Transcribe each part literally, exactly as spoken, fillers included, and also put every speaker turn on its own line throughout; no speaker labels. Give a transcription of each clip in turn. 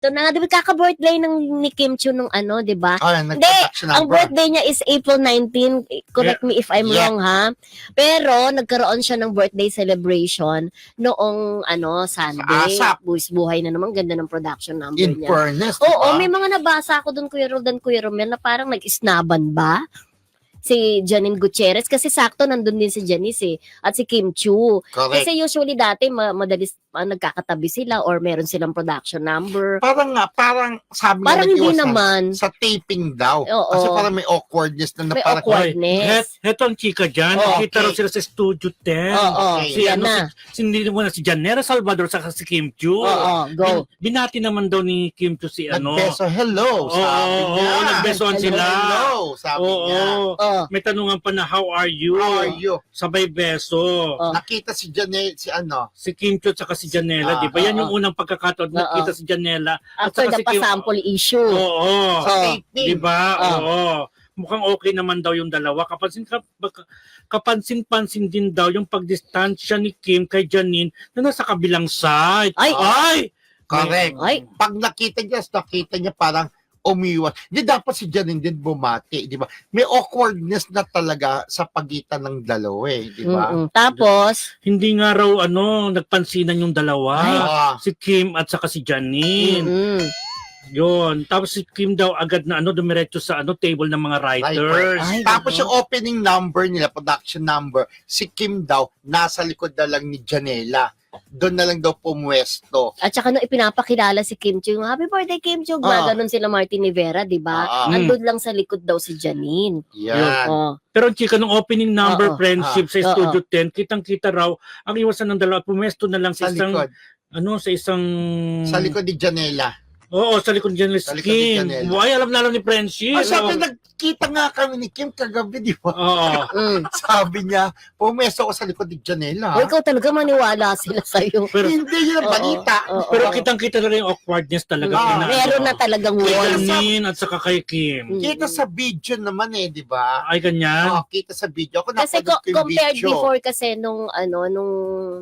Ito na nga, di ba kaka-birthday ng ni Kim Chiu nung ano, di ba?
Oh,
Hindi, ang birthday niya is April nineteenth. Correct me if I'm
Yeah.
wrong, ha? Pero, nagkaroon siya ng birthday celebration noong, ano, Sunday.
Sa ASAP.
Buwis buhay na naman. Ganda ng production number
In
niya.
fairness,
Oo,
diba?
may mga nabasa ako doon, Kuya Roldan, Kuya Romel, na parang nag-isnaban ba? Si Janine Gutierrez. Kasi sakto nandun din si Janice eh. At si Kim Chiu.
Correct.
Kasi usually dati, ma- madalis ah, nagkakatabi sila or meron silang production number.
Parang nga, parang sabi
Parang
nga
hindi
nag-iwasan,
naman.
sa taping daw.
Oo.
Kasi parang may awkwardness na, na
May
parang,
awkwardness.
Het, heto ang chika dyan.
Oh,
Nakita
okay.
raw sila sa Studio ten.
Oo,
Okay.
Si,
yan
ano,
na.
si, si, hindi mo na si Janera Salvador saka si Kim Chiu.
Oo, go.
Bin, binati naman daw ni Kim Chiu si ano.
nagbeso, hello,
Oo,
sabi
oo,
niya.
oo, nagbesoan
Hello,
sila.
Hello, sabi
Oo,
niya.
Oh,
may tanungan pa na, how are you?
How are you?
Sabay beso.
Oh.
Nakita si Janet, si ano,
Si Kim Chiu at saka si Janela,
Ah,
di ba? Yan
oo.
yung unang pagkakataon
Oo.
nakita si Janela.
after the
si Kim-
pa-sample issue.
Oo.
sa
Oh.
taping.
Di ba?
Ah.
Oo. Mukhang okay naman daw yung dalawa. Kapansin ka, baka- kapansin-pansin din daw yung pagdistansya ni Kim kay Janine na nasa kabilang side.
Ay!
Ay!
Correct.
Ay!
Pag nakita niya, nakita niya parang umiwas. Hindi dapat si Janine din bumati, di ba? May awkwardness na talaga sa pagitan ng dalawa eh, di ba?
Mm-mm. Tapos,
Hindi nga raw ano, nagpansinan yung dalawa.
Ah,
Si Kim at saka si Janine.
mm
Yun. Tapos si Kim daw agad na ano, dumiretso sa ano, table ng mga writers.
Ay,
Tapos
ganon.
yung opening number nila, production number, si Kim daw, nasa likod na lang ni Janela. Doon na lang daw pumwesto.
At saka nung ipinapakilala si Kim Chiu, happy birthday Kim Chiu,
Ah.
gaganon sila Martin Rivera, di ba?
Ah.
Andun lang sa likod daw si Janine.
Yan.
Oh.
Pero ang chika, nung opening number
Oo.
friendship sa
Oo.
Studio ten, kitang-kita raw, ang iwasan ng dalawa, pumesto na lang sa,
Sa
isang,
likod.
ano, sa isang...
Sa likod ni Janela.
Oo, sa likod niya ni
Sa likod ni
Kim.
Janela.
Ay, alam na alam ni friendship.
Ah, sabi, nagkita nga kami ni Kim kagabi, di ba?
Oo.
Mm.
Sabi niya, pumesto ko sa likod ni Janela.
O ikaw talaga maniwala sila sa'yo.
Pero,
Hindi yun ang
Oo.
balita.
Oo.
pero kitang-kita na rin yung awkwardness talaga.
Ah,
kina-
Meron na talagang
Kay
wall.
Janine at saka kay Kim.
Mm.
Kita sa video naman eh, di ba?
Ay, ganyan.
Oo, kita sa video. Ako
Kasi
napanood
co-
ko yung
compared
video.
before kasi nung ano nung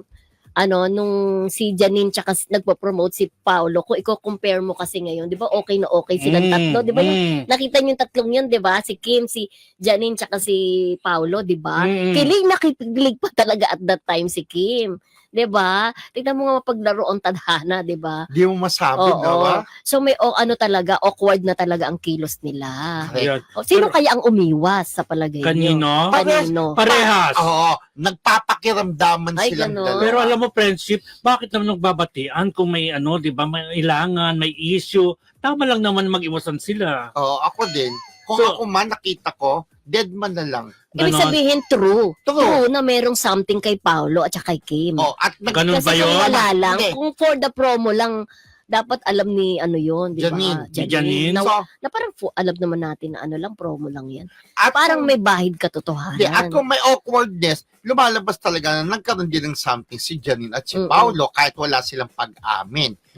ano nung si Janine tsaka si- nagpo-promote si Paolo, kung i-compare mo kasi ngayon, 'di ba? Okay na okay silang
Mm,
tatlo, 'di ba? Yung
mm.
nakita niyo yung tatlong 'yun, 'di ba? Si Kim, si Janine tsaka si Paolo, 'di ba?
Mm.
Kilig na kilig pa talaga at that time si Kim. 'Di ba? Tingnan mo nga mapaglaro ang tadhana, 'di ba?
Di mo masabi,
Oo.
no? ba?
So may o, ano talaga awkward na talaga ang kilos nila.
Ayan.
O, sino
Pero-
kaya ang umiwas sa palagay niyo?
Kanino?
Kanino?
Parehas.
Oo, nagpapakiramdaman
Ay,
silang
ganon.
dalawa.
Pero alam mo, friendship, bakit naman nagbabatian kung may ano, di ba, may ilangan, may issue, tama lang naman mag-iwasan sila.
Oo, ako din. Kung
So-
ako man, nakita ko, dead man na lang.
Ibig
Ganon.
sabihin true.
True.
True na merong something kay Paolo at saka kay Kim.
Oh, at nag-
Ganun
Kasi
ba yun?
kung wala lang,
Hindi.
kung for the promo lang, dapat alam ni ano yon, di ba?
Janine.
Ni Janine.
Na,
So,
na parang fu- alam naman natin na ano lang, promo lang yan.
at
Parang
kung,
may bahid
Hindi, at
katotohanan.
kung may awkwardness, lumalabas talaga na nagkaroon din ng something si Janine at si
Mm-mm.
Paolo kahit wala silang pag-amin.